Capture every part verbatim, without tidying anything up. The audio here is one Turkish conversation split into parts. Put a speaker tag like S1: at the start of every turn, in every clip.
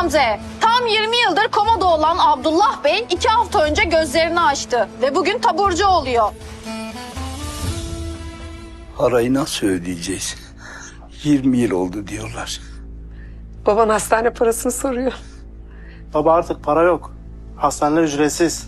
S1: Gamze. Tam yirmi yıldır komada olan Abdullah Bey iki hafta önce gözlerini açtı ve bugün taburcu oluyor.
S2: Parayı nasıl ödeyeceğiz? yirmi yıl oldu diyorlar.
S3: Baban hastane parasını soruyor.
S4: Baba artık para yok. Hastaneler ücretsiz.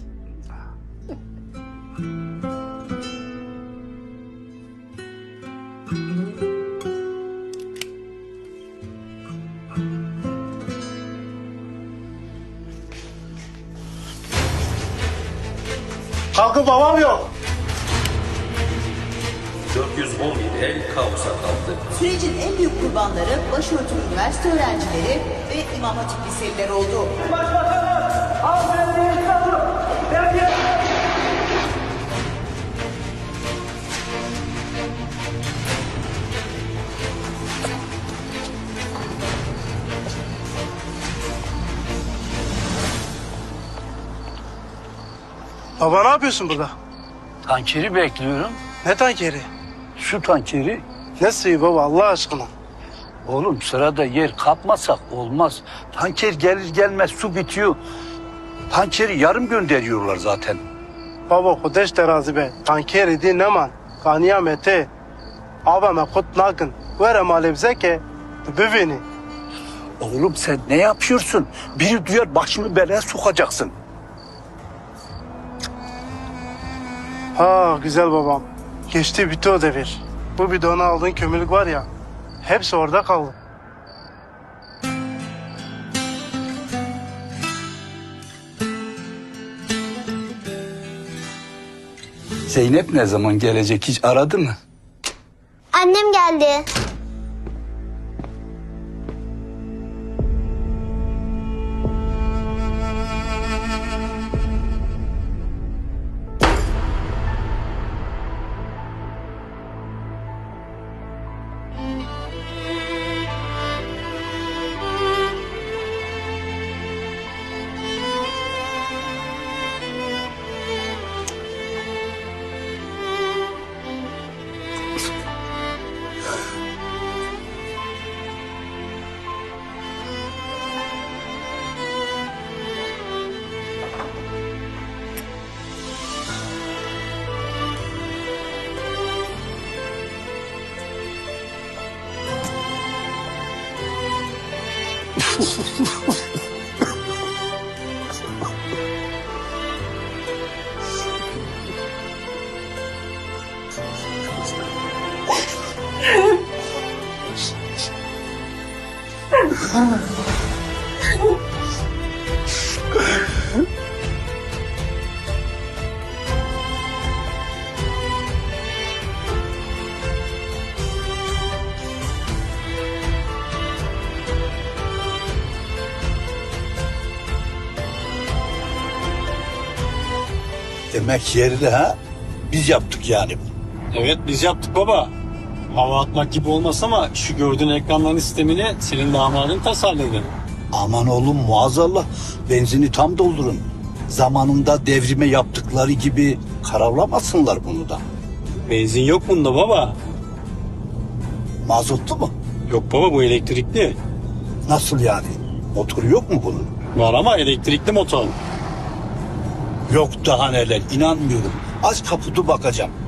S4: Kalkın babam yok.
S5: dört yüz on bir el kaosa kaldı.
S6: Sürecin en büyük kurbanları başörtülü üniversite öğrencileri ve İmam Hatip liseliler oldu.
S4: Baba ne yapıyorsun burada?
S2: Tankeri bekliyorum.
S4: Ne tankeri?
S2: Su tankeri.
S4: Ne suyu baba Allah aşkına?
S2: Oğlum sırada yer kapmasak olmaz. Tanker gelir gelmez su bitiyor. Tankeri yarım gönderiyorlar zaten.
S4: Baba kudeş terazi be. Tankeri di neman. Kaniyamete. Abame kut nakın. Vere malebzeke. Büveni.
S2: Oğlum sen ne yapıyorsun? Biri duyar başını belaya sokacaksın.
S4: Ha güzel babam. Geçti bitti o devir. Bu bidona aldığın kömürlük var ya. Hepsi orada kaldı.
S2: Zeynep ne zaman gelecek hiç aradı mı?
S7: Annem geldi.
S2: Demek yerli ha? Biz yaptık yani.
S8: Evet biz yaptık baba. Hava atmak gibi olmaz ama şu gördüğün ekranların sistemini senin damadın tasarladı.
S2: Aman oğlum muazzallah. Benzini tam doldurun. Zamanında devrime yaptıkları gibi karavlamasınlar bunu da.
S8: Benzin yok bunda baba.
S2: Mazotlu mu?
S8: Yok baba bu elektrikli.
S2: Nasıl yani? Motoru yok mu bunun?
S8: Var ama elektrikli motor.
S2: Yok daha neler inanmıyorum. Aç kaputu bakacağım.